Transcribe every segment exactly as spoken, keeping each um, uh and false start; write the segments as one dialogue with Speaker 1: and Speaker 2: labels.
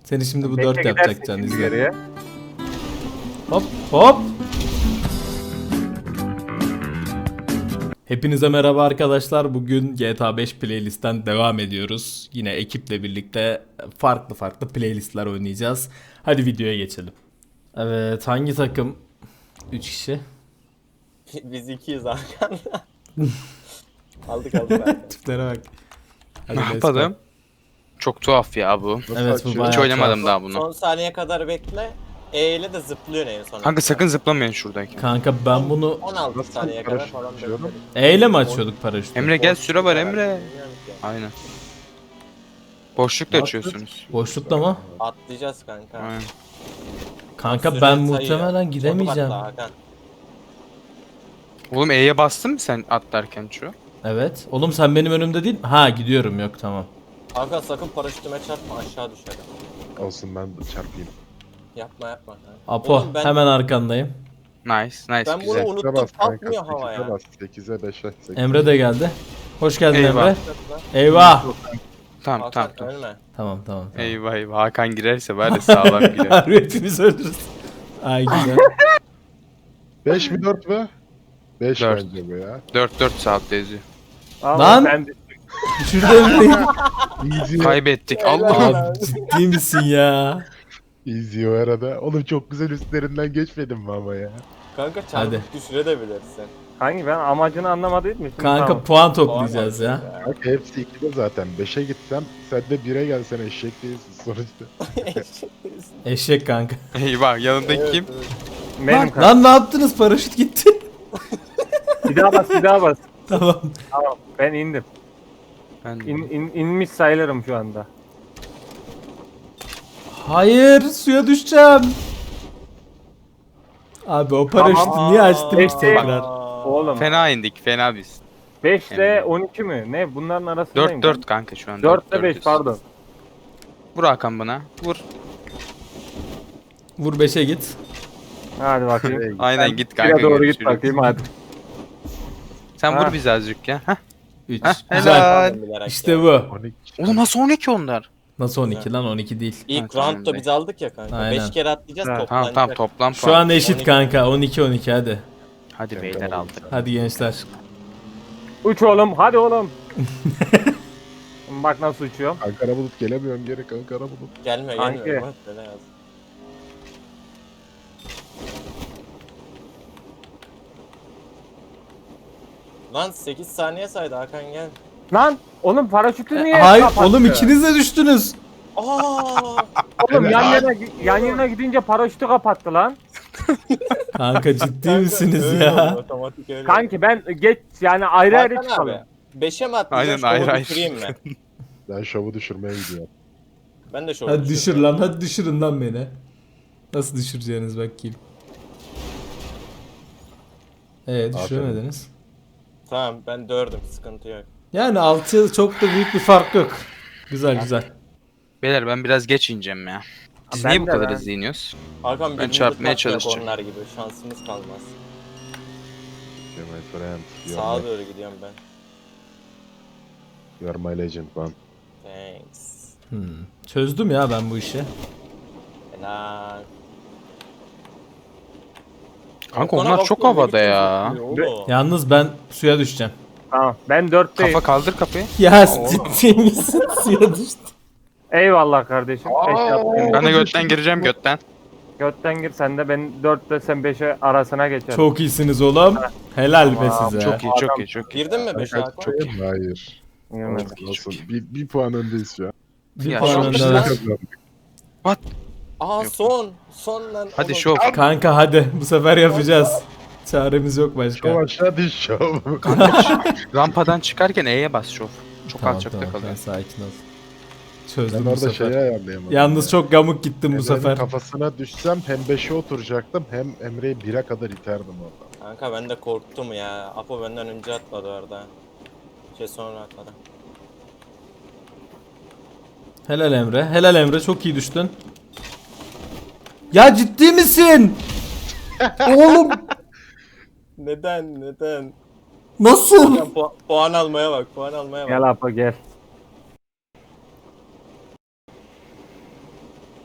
Speaker 1: Seni şimdi bu
Speaker 2: Bekle
Speaker 1: dört
Speaker 2: gidersin
Speaker 1: yapacak Can,
Speaker 2: şimdi
Speaker 1: izle.
Speaker 2: geriye.
Speaker 1: Hop hop. Hepinize merhaba arkadaşlar. Bugün G T A beş playlistten devam ediyoruz. Yine ekiple birlikte farklı farklı playlistler oynayacağız. Hadi videoya geçelim. Evet, hangi takım? üç kişi.
Speaker 3: Biz ikiyiz arkanda. aldık aldık abi.
Speaker 1: Tiplere bak. Hadi
Speaker 4: Ne
Speaker 1: let's
Speaker 4: yapalım?
Speaker 1: go.
Speaker 4: Çok tuhaf ya bu.
Speaker 1: Evet, bu bayağı
Speaker 4: Hiç oynamadım
Speaker 1: tuhaf.
Speaker 4: daha bunu.
Speaker 3: Son saniye kadar bekle. E ile de zıplıyor en son.
Speaker 4: Kanka sakın zıplamayın şuradaki.
Speaker 1: Kanka ben bunu
Speaker 3: on altı
Speaker 5: Nasıl
Speaker 3: saniye kadar
Speaker 5: paraşüt
Speaker 3: falan
Speaker 5: açıyorum?
Speaker 3: bekledik.
Speaker 1: E ile mi açıyorduk paraşütü?
Speaker 4: Emre gel, süre var Emre.
Speaker 3: Bilmiyorum ki.
Speaker 4: Aynen. Boşlukla açıyorsunuz.
Speaker 1: Boşlukta mı?
Speaker 3: Atlayacağız kanka.
Speaker 4: Aynen.
Speaker 1: Kanka
Speaker 3: Süre
Speaker 1: ben
Speaker 3: sayıyor.
Speaker 1: muhtemelen gidemeyeceğim.
Speaker 3: Otobakla Hakan.
Speaker 4: Oğlum E'ye bastın mı sen atlarken şu?
Speaker 1: Evet. Oğlum sen benim önümde değil. Ha, gidiyorum, yok tamam.
Speaker 3: Hakan sakın paraşütüme çarpma, aşağı düşerim.
Speaker 5: Olsun, ben de çarpayım.
Speaker 3: Yapma yapma. kanka.
Speaker 1: Apo
Speaker 3: Oğlum ben,
Speaker 1: hemen arkandayım.
Speaker 4: Nice, nice,
Speaker 3: ben bunu
Speaker 4: güzel.
Speaker 3: unuttum,
Speaker 5: sekize bas kanka,
Speaker 3: kalkmıyor havaya.
Speaker 5: sekize bas, sekize beşe. sekize.
Speaker 1: Emre de geldi. Hoş geldin
Speaker 4: Eyvah.
Speaker 1: Emre. Eyvah.
Speaker 4: Tamam
Speaker 3: Hakan
Speaker 4: tamam tamam.
Speaker 3: ölme.
Speaker 1: Tamam tamam. tamam.
Speaker 4: Eyvah eyvah, Hakan girerse var ya sağlam girer.
Speaker 1: Harbi hepimiz ölürüz. Ay güzel.
Speaker 5: beş mi dört mü? beş
Speaker 4: Dört.
Speaker 5: bence bu ya.
Speaker 4: dört dört saatte yazıyor.
Speaker 2: Allah,
Speaker 1: Lan!
Speaker 2: Ben
Speaker 1: Düşürdü Emre'yi.
Speaker 5: Easy,
Speaker 4: Kaybettik Allah.
Speaker 1: Abi ciddi misin ya?
Speaker 5: easy o arada. Oğlum çok güzel üstlerinden geçmedim mi ama ya?
Speaker 3: Kanka
Speaker 1: Hadi.
Speaker 3: çarpıp düşürebilirsin.
Speaker 2: hangi ben amacını anlamadım mi? Şimdi
Speaker 1: Kanka
Speaker 2: tamam.
Speaker 1: puan toplayacağız ya.
Speaker 5: Bak hepsi ikide zaten. beşe gitsem sen de bire gelsen eşek değilsin sonuçta.
Speaker 1: Eşek kanka.
Speaker 4: Eyvah, yanındaki kim?
Speaker 2: Benim
Speaker 1: Lan,
Speaker 2: kanka.
Speaker 1: lan ne yaptınız? Paraşüt gitti.
Speaker 2: Bir daha bas bir daha bas.
Speaker 1: Tamam.
Speaker 2: Tamam ben indim.
Speaker 4: Ben de.
Speaker 2: İn, in, inmiş sayılırım şu anda.
Speaker 1: Hayır, suya düşeceğim. Abi o paraşütü
Speaker 2: Tamam.
Speaker 1: niye açtınız
Speaker 2: Beşte-
Speaker 1: tekrar?
Speaker 2: Oğlum
Speaker 4: Fena indik, fena biz.
Speaker 2: beş ile
Speaker 4: Emre.
Speaker 2: on iki mi? Ne bunların arasındayım.
Speaker 4: dört dört kanka şu an.
Speaker 2: dört ile beş
Speaker 4: dörtüz.
Speaker 2: pardon.
Speaker 4: Vur Hakan bana. Vur.
Speaker 1: Vur beşe git.
Speaker 2: Hadi bakayım.
Speaker 4: Aynen git kanka.
Speaker 2: Bire doğru git
Speaker 4: görüşürüz.
Speaker 2: bakayım hadi.
Speaker 4: Sen
Speaker 2: Ha.
Speaker 4: vur bizi azıcık ya. Heh.
Speaker 1: üç.
Speaker 4: Heh,
Speaker 1: Güzel.
Speaker 4: helal.
Speaker 1: İşte bu.
Speaker 5: on iki.
Speaker 4: Oğlum nasıl on iki onlar?
Speaker 1: Nasıl on iki lan? on iki değil.
Speaker 3: İlk
Speaker 4: Ha, tamam
Speaker 3: roundda
Speaker 4: be.
Speaker 3: biz aldık ya kanka.
Speaker 1: Aynen.
Speaker 3: beş kere atlayacağız
Speaker 2: Ha,
Speaker 3: toplanacak.
Speaker 4: Tamam tamam, toplam
Speaker 1: Şu
Speaker 4: puan.
Speaker 1: an eşit
Speaker 3: on iki.
Speaker 1: kanka. on iki on iki hadi.
Speaker 4: Hadi beyler aldık.
Speaker 1: Hadi gençler.
Speaker 2: Uç oğlum hadi oğlum. Bak nasıl uçuyorum.
Speaker 5: Ankara bulut gelemiyorum geri Ankara bulut.
Speaker 3: Gelme
Speaker 2: Kanki.
Speaker 3: gelme. Bak, böyle yaz. Lan sekiz saniye saydı Hakan gel.
Speaker 2: Lan oğlum paraşütü niye
Speaker 1: Hayır
Speaker 2: kapattı?
Speaker 1: oğlum, ikiniz de düştünüz.
Speaker 3: Aa!
Speaker 2: Oğlum yan yana, yan yana gidince paraşütü kapattı lan.
Speaker 1: Kanka ciddi misiniz
Speaker 3: Öyle
Speaker 1: ya?
Speaker 3: oldu, otomatik öyle oldu.
Speaker 2: Kanki ben geç yani ayrı ayrı
Speaker 3: Hakan
Speaker 2: çıkalım.
Speaker 3: abi. beşe mi atlayacağız?
Speaker 4: Aynen,
Speaker 3: Aynen,
Speaker 4: ayrı
Speaker 3: düşüreyim mi?
Speaker 5: Ben şovu düşürmeye gidiyorum.
Speaker 3: Ben de şöyle
Speaker 1: Hadi düşür lan, hadi düşürün lan beni. Nasıl düşüreceğiniz bakayım. Ee düşüremediniz.
Speaker 3: Tamam ben dördüm, sıkıntı yok.
Speaker 1: Yani altı çok da büyük bir fark yok. Güzel güzel.
Speaker 4: Beyler ben biraz geç ineceğim ya. Biz
Speaker 2: Ben
Speaker 4: niye bu
Speaker 2: de
Speaker 4: kadar
Speaker 2: ben.
Speaker 4: hızlı iniyoruz?
Speaker 3: Hakan
Speaker 4: Ben
Speaker 3: birbirimizi
Speaker 4: çarpmaya
Speaker 3: takmayak
Speaker 4: çalışacağım.
Speaker 3: Onlar gibi şansımız kalmaz.
Speaker 5: You're my friend. You're,
Speaker 3: Sağa
Speaker 5: my,
Speaker 3: doğru gidiyorum ben.
Speaker 5: you're my legend man.
Speaker 3: Thanks.
Speaker 1: Hmm. Çözdüm ya ben bu işi.
Speaker 3: Helal.
Speaker 4: Kanka
Speaker 3: Hakan'a
Speaker 4: onlar
Speaker 3: bak,
Speaker 4: çok
Speaker 3: ne
Speaker 4: havada
Speaker 3: biçim
Speaker 4: ya.
Speaker 3: zıplıyor oğlum.
Speaker 1: Yalnız ben suya düşeceğim.
Speaker 2: Tamam ben dörtteyim.
Speaker 4: Kafa kaldır kapıyı.
Speaker 1: Ya ciddi misin? Suya düştüm.
Speaker 2: Eyvallah kardeşim. Beş yaptım.
Speaker 4: Ben de götten gireceğim götten.
Speaker 2: Götten gir sen de ben dörtte sen beşe arasına geçerim.
Speaker 1: Çok iyisiniz oğlum. Helal be
Speaker 2: Tamam,
Speaker 1: size.
Speaker 4: Çok iyi, çok iyi, çok iyi.
Speaker 3: Girdin mi beşe
Speaker 5: Kanka,
Speaker 3: Hakan?
Speaker 5: çok iyi. Hayır.
Speaker 2: Girmedim.
Speaker 5: Olsun, olsun. Bir, bir puan öndeyiz şu an.
Speaker 1: Bir
Speaker 4: Ya,
Speaker 1: puan
Speaker 4: çok
Speaker 1: önde
Speaker 4: güzel.
Speaker 1: var.
Speaker 3: Aa
Speaker 4: Yok.
Speaker 3: son. Son lan.
Speaker 4: Hadi
Speaker 3: oğlum.
Speaker 4: şov.
Speaker 1: Kanka hadi bu sefer yapacağız. Çaremiz yok
Speaker 5: Şov
Speaker 1: başka.
Speaker 5: aşağı düş şov.
Speaker 4: Rampadan çıkarken E'ye bas şov. Çok
Speaker 1: Tamam,
Speaker 4: alçakta
Speaker 1: tamam,
Speaker 4: kalıyor.
Speaker 1: sen sakin ol.
Speaker 5: Ben
Speaker 1: Çözdüm bu
Speaker 5: orada
Speaker 1: sefer.
Speaker 5: şeyi ayarlayamadım.
Speaker 1: Yalnız çok gamuk gittim bu
Speaker 5: Emre'nin
Speaker 1: sefer.
Speaker 5: kafasına düşsem hem beşe oturacaktım hem Emre'yi bire kadar iterdim orada.
Speaker 3: Kanka ben de korktum ya. Apo benden önce atladı orada. Şey sonra atladı.
Speaker 1: Helal Emre. Helal Emre, çok iyi düştün. Ya ciddi misin? Oğlum
Speaker 3: Neden neden?
Speaker 1: nasıl?
Speaker 3: Hakan, pu- puan almaya bak, puan almaya bak.
Speaker 2: Gel Apo gel.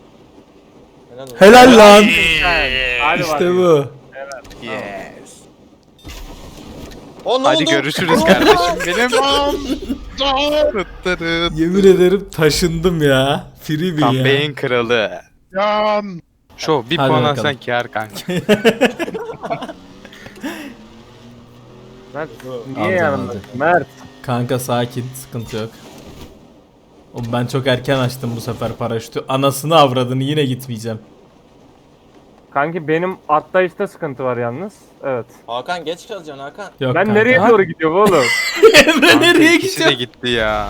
Speaker 3: Helal olsun.
Speaker 1: Helal lan.
Speaker 2: Hadi
Speaker 1: İşte
Speaker 2: bakayım.
Speaker 1: bu.
Speaker 4: Yes.
Speaker 3: O ne
Speaker 4: Hadi
Speaker 3: oldu?
Speaker 4: görüşürüz kardeşim benim. Tırtırıt.
Speaker 1: Yemin ederim taşındım ya. Freebie ya.
Speaker 4: Campaign kralı.
Speaker 5: Yan.
Speaker 4: Şu bir
Speaker 1: Hadi
Speaker 4: puan
Speaker 1: bakalım.
Speaker 4: alsan kâr kanka.
Speaker 2: Mert
Speaker 1: Aldım,
Speaker 2: niye yanımda?
Speaker 1: aldım.
Speaker 2: Mert.
Speaker 1: Kanka sakin, sıkıntı yok. Oğlum ben çok erken açtım bu sefer paraşütü. Anasını avradını yine gitmeyeceğim.
Speaker 2: Kanki benim atlayışta sıkıntı var yalnız. Evet.
Speaker 3: Hakan geç kalacaksın Hakan.
Speaker 1: Yok
Speaker 2: Ben
Speaker 1: kanka.
Speaker 2: nereye
Speaker 4: Ha?
Speaker 2: doğru gidiyorum oğlum?
Speaker 1: Emre nereye
Speaker 4: İkisi de
Speaker 1: gidiyor?
Speaker 4: gitti ya.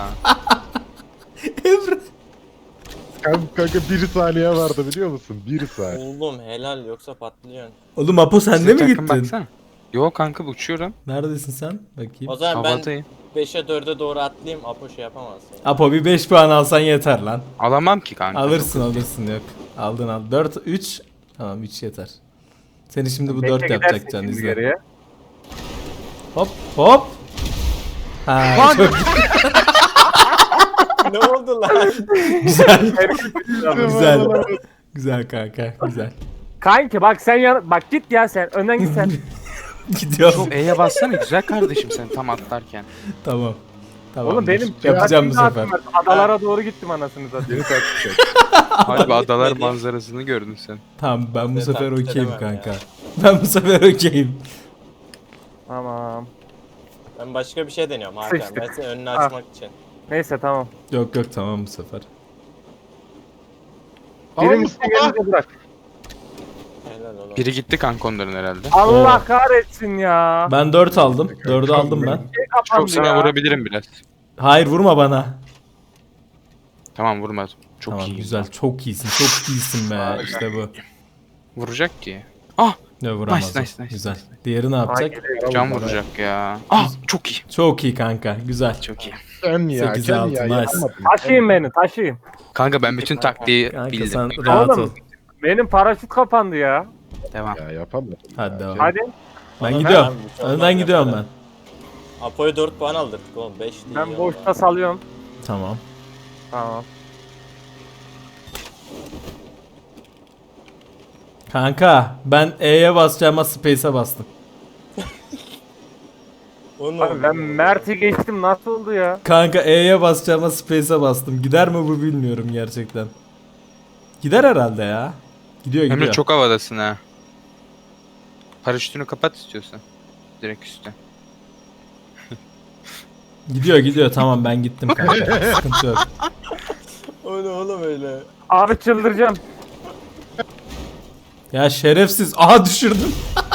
Speaker 1: Emre.
Speaker 5: Kanka, kanka bir saniye vardı biliyor musun? Bir saniye.
Speaker 3: Oğlum helal yoksa patlayacaksın.
Speaker 1: Oğlum Apo sen de
Speaker 4: Sizin
Speaker 1: mi
Speaker 4: takım
Speaker 1: gittin?
Speaker 4: baksana. Yo kanka uçuyorum.
Speaker 1: Neredesin sen? Bakayım.
Speaker 3: O zaman ben
Speaker 4: Havadayım.
Speaker 3: beşe dörde doğru atlayayım. Apo şey yapamazsın.
Speaker 1: Apo bir beş puan alsan yeter lan.
Speaker 4: Alamam ki kanka.
Speaker 1: Alırsın alırsın yok. Aldın al. dört üç. Tamam üç yeter. Seni şimdi bu
Speaker 2: Bekle
Speaker 1: dört
Speaker 2: gidersin
Speaker 1: yapacak can
Speaker 2: şimdi
Speaker 1: izle.
Speaker 2: geriye.
Speaker 1: Hop hop. Ha çok
Speaker 3: Ne oldu lan?
Speaker 1: güzel. güzel. Güzel kanka güzel.
Speaker 2: Kanki bak sen yan bak git ya sen önden git sen.
Speaker 1: Gidiyorum.
Speaker 4: Çok E'ye bassana güzel kardeşim sen tam atlarken.
Speaker 1: Tamam. Tamam.
Speaker 2: Oğlum benim
Speaker 1: yapacağım bu
Speaker 2: trafiğim
Speaker 1: sefer.
Speaker 2: dağıttım. Adalara doğru gittim anasını satayım.
Speaker 5: Yeni taktik.
Speaker 4: Hadi adalar
Speaker 3: gitmedi.
Speaker 4: manzarasını gördün sen.
Speaker 1: Tamam ben bu
Speaker 3: Ben
Speaker 1: sefer
Speaker 3: taklit
Speaker 1: okeyim
Speaker 3: edemem
Speaker 1: kanka.
Speaker 3: ya.
Speaker 1: Ben bu sefer okeyim.
Speaker 2: Tamam.
Speaker 3: Ben başka bir şey deniyorum Hakan.
Speaker 2: Sıçtık.
Speaker 3: Ben senin önünü
Speaker 2: Ha.
Speaker 3: açmak için.
Speaker 2: Neyse tamam.
Speaker 1: Yok yok tamam bu sefer.
Speaker 5: Ama
Speaker 2: Birini
Speaker 5: Mustafa.
Speaker 2: gelince bırak.
Speaker 3: Helal oğlum.
Speaker 4: Biri gitti kanka onların herhalde.
Speaker 2: Allah kahretsin ya.
Speaker 1: Ben dört aldım. dördü aldım ben.
Speaker 2: Şey kapandı
Speaker 4: Çok sana
Speaker 2: ya.
Speaker 4: vurabilirim biraz.
Speaker 1: Hayır vurma bana.
Speaker 4: Tamam vurmaz. Çok
Speaker 1: tamam
Speaker 4: iyi.
Speaker 1: güzel. Çok iyisin. Çok iyisin be. İşte bu.
Speaker 4: Vuracak ki. Ah
Speaker 1: Ne vuramaz.
Speaker 4: Nice,
Speaker 1: o.
Speaker 4: nice, nice,
Speaker 1: Güzel.
Speaker 4: nice.
Speaker 1: Diğeri ne
Speaker 2: Ay,
Speaker 1: yapacak?
Speaker 2: geliyor.
Speaker 4: can vuracak ya. Ah çok iyi.
Speaker 1: Çok iyi kanka. Güzel.
Speaker 4: Çok iyi.
Speaker 5: Sen ya.
Speaker 1: Sekiz
Speaker 5: Sen
Speaker 1: altı,
Speaker 5: ya.
Speaker 1: nice.
Speaker 5: Yapamadın.
Speaker 2: Taşıyın beni taşıyın.
Speaker 4: Kanka ben bütün taktiği
Speaker 1: Kanka
Speaker 4: bildim.
Speaker 1: sen rahat
Speaker 2: Oğlum.
Speaker 1: ol.
Speaker 2: Benim paraşüt kapandı ya.
Speaker 4: Devam.
Speaker 5: Ya yapamadın.
Speaker 1: Hadi devam.
Speaker 2: Hadi.
Speaker 1: Ben
Speaker 3: Bana
Speaker 1: gidiyorum.
Speaker 3: ver, bir şey
Speaker 1: Önden
Speaker 3: olmaz
Speaker 1: gidiyorum ben.
Speaker 3: yaparım. Apo'ya dört puan aldırdık oğlum. beş değil.
Speaker 2: Ben
Speaker 3: ya.
Speaker 2: boşta salıyorum.
Speaker 1: Tamam.
Speaker 2: Tamam.
Speaker 1: Kanka ben E'ye basacağıma Space'e bastım.
Speaker 3: O ne
Speaker 2: Abi
Speaker 3: oldu?
Speaker 2: ben Mert'i geçtim nasıl oldu ya?
Speaker 1: Kanka E'ye basacağıma Space'e bastım. Gider mi bu bilmiyorum gerçekten. Gider herhalde ya. Gidiyor gidiyor.
Speaker 4: Emre çok havadasın ha. Paraşütünü kapat istiyorsan. Direkt üstte.
Speaker 1: Gidiyor gidiyor tamam ben gittim kanka. Sıkıntı yok.
Speaker 3: O ne oğlum öyle?
Speaker 2: Abi çıldıracağım.
Speaker 1: Ya şerefsiz. Aha düşürdüm.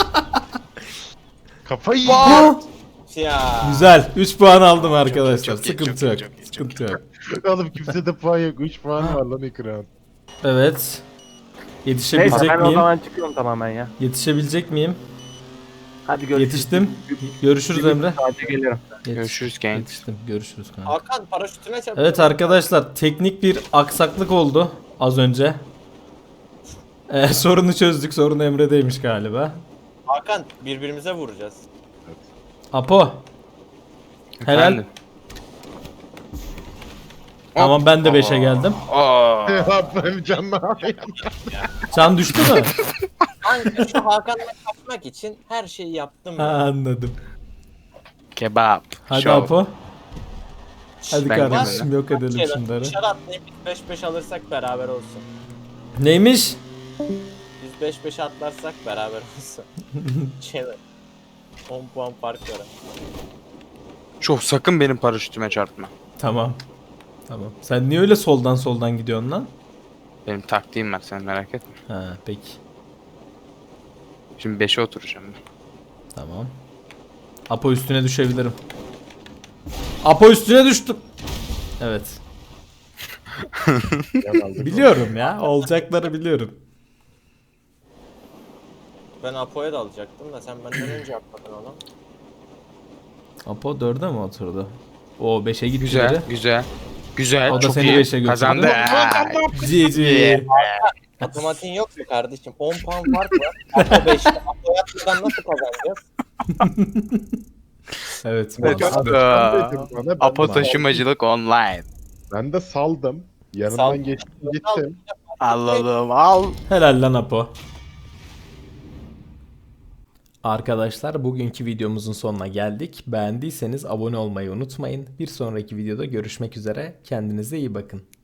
Speaker 5: Kafayı
Speaker 1: Aa!
Speaker 3: Ya.
Speaker 1: Güzel. üç puan aldım arkadaşlar.
Speaker 4: çok iyi,
Speaker 1: Sıkıntı
Speaker 4: çok iyi,
Speaker 1: yok.
Speaker 4: çok iyi, çok
Speaker 1: Sıkıntı yok.
Speaker 5: Oğlum kimse de puan yok. üç puan var lan ekran.
Speaker 1: Evet.
Speaker 2: Neyse
Speaker 1: Yetişebilecek
Speaker 2: ben o
Speaker 1: miyim?
Speaker 2: zaman çıkıyorum tamamen ya.
Speaker 1: Yetişebilecek miyim?
Speaker 2: Hadi görüşürüz.
Speaker 1: Yetiştim. Görüşürüz Emre.
Speaker 2: Hadi gelirim.
Speaker 1: Yetiş-
Speaker 4: Görüşürüz genç.
Speaker 1: Yetiştim. Görüşürüz kanka.
Speaker 3: Hakan paraşütüne çarptı.
Speaker 1: Evet arkadaşlar teknik bir aksaklık oldu az önce. Ee, sorunu çözdük. Sorun Emre'deymiş galiba.
Speaker 3: Hakan birbirimize vuracağız.
Speaker 1: Apo. Helal.
Speaker 4: Efendim?
Speaker 1: Tamam ben de beşe geldim.
Speaker 4: Aa.
Speaker 5: Ya ben canlı alayım.
Speaker 1: Can düştü mü?
Speaker 3: Kanka şu Hakan'la kaçmak için her şeyi yaptım.
Speaker 1: ha,
Speaker 3: ya.
Speaker 1: anladım.
Speaker 4: Kebap.
Speaker 1: Hadi
Speaker 4: Şov.
Speaker 1: Apo. Hadi
Speaker 4: Ben
Speaker 1: kardeşim yok edelim
Speaker 3: Şeyler,
Speaker 1: şunları.
Speaker 3: Dışarı atlayıp biz beş beş alırsak beraber olsun.
Speaker 1: Neymiş?
Speaker 3: Biz beş beş atlarsak beraber olsun. Şeyler. on puan fark var.
Speaker 4: Şov sakın benim paraşütüme çarpma.
Speaker 1: Tamam. Tamam. Sen niye öyle soldan soldan gidiyorsun lan?
Speaker 4: Benim taktiğim var sen merak etme.
Speaker 1: Ha peki.
Speaker 4: Şimdi beşe oturacağım ben.
Speaker 1: Tamam. Apo üstüne düşebilirim. Apo üstüne düştüm. Evet.
Speaker 5: Yan aldık.
Speaker 1: Biliyorum ya. Olacakları biliyorum.
Speaker 3: Ben Apo'ya da alacaktım da sen benden önce atladın onu.
Speaker 1: Apo dörde mi oturdu? O beşe gitti.
Speaker 4: Güzel,
Speaker 1: biri.
Speaker 4: güzel. Güzel,
Speaker 1: O da
Speaker 4: çok
Speaker 1: seni
Speaker 4: iyi.
Speaker 1: beşe götürdü.
Speaker 4: Kazandı.
Speaker 1: G G.
Speaker 3: Matematiğin yok mu kardeşim? on puan fark var. Apo beşte. Apo'ya atmadan nasıl kazanacağız?
Speaker 1: Evet.
Speaker 4: Evet,
Speaker 1: mantıklı.
Speaker 4: çok-
Speaker 5: Bana, ben
Speaker 4: Apo
Speaker 5: de-
Speaker 4: taşımacılık online.
Speaker 5: Ben de saldım. Yanından
Speaker 3: Sal-
Speaker 5: geçtim gittim.
Speaker 4: Anladım al.
Speaker 1: Helal lan Apo. Arkadaşlar bugünkü videomuzun sonuna geldik. Beğendiyseniz abone olmayı unutmayın. Bir sonraki videoda görüşmek üzere. Kendinize iyi bakın.